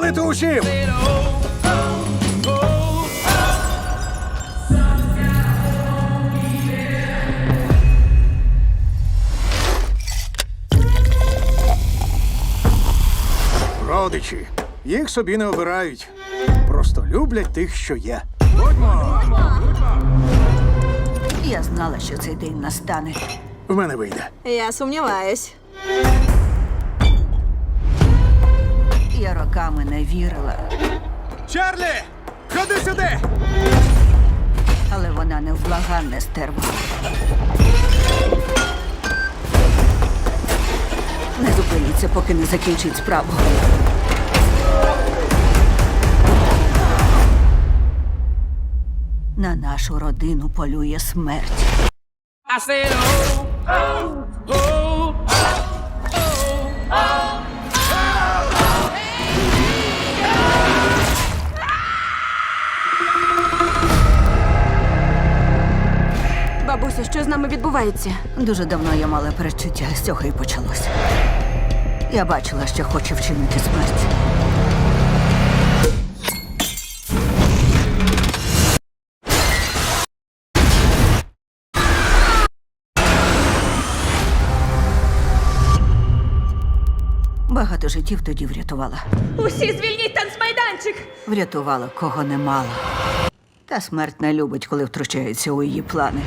ділити усім! Родичі. Їх собі не обирають. Просто люблять тих, що є. Будьмо! Я знала, що цей день настане. В мене вийде. Я сумніваюсь. Я роками не вірила, Чарлі! Ходи сюди! але вона невблаганне стерва. Не зупиніться, поки не закінчить справу. На нашу родину полює смерть. I said, oh, oh, oh, Бабусю, що з нами відбувається? Дуже давно я мала передчуття, з цього і почалося. Я бачила, що хоче вчинити смерть. Багато життів тоді врятувала. Усі звільніть танцмайданчик! Врятувала, кого не мала. Та смерть не любить, коли втручається у її плани.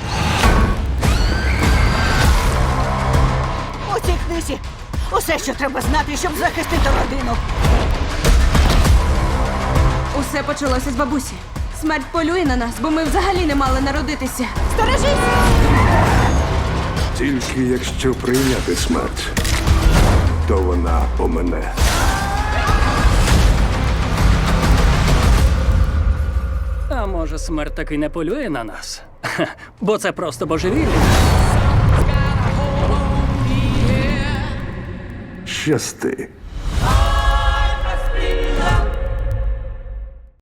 У цій книзі усе, що треба знати, щоб захистити родину. Усе почалося з бабусі. Смерть полює на нас, бо ми взагалі не мали народитися. Сторожись! Тільки якщо прийняти смерть, то вона помине. А може, смерть таки не полює на нас? Ха, бо це просто божевілля. Щасти.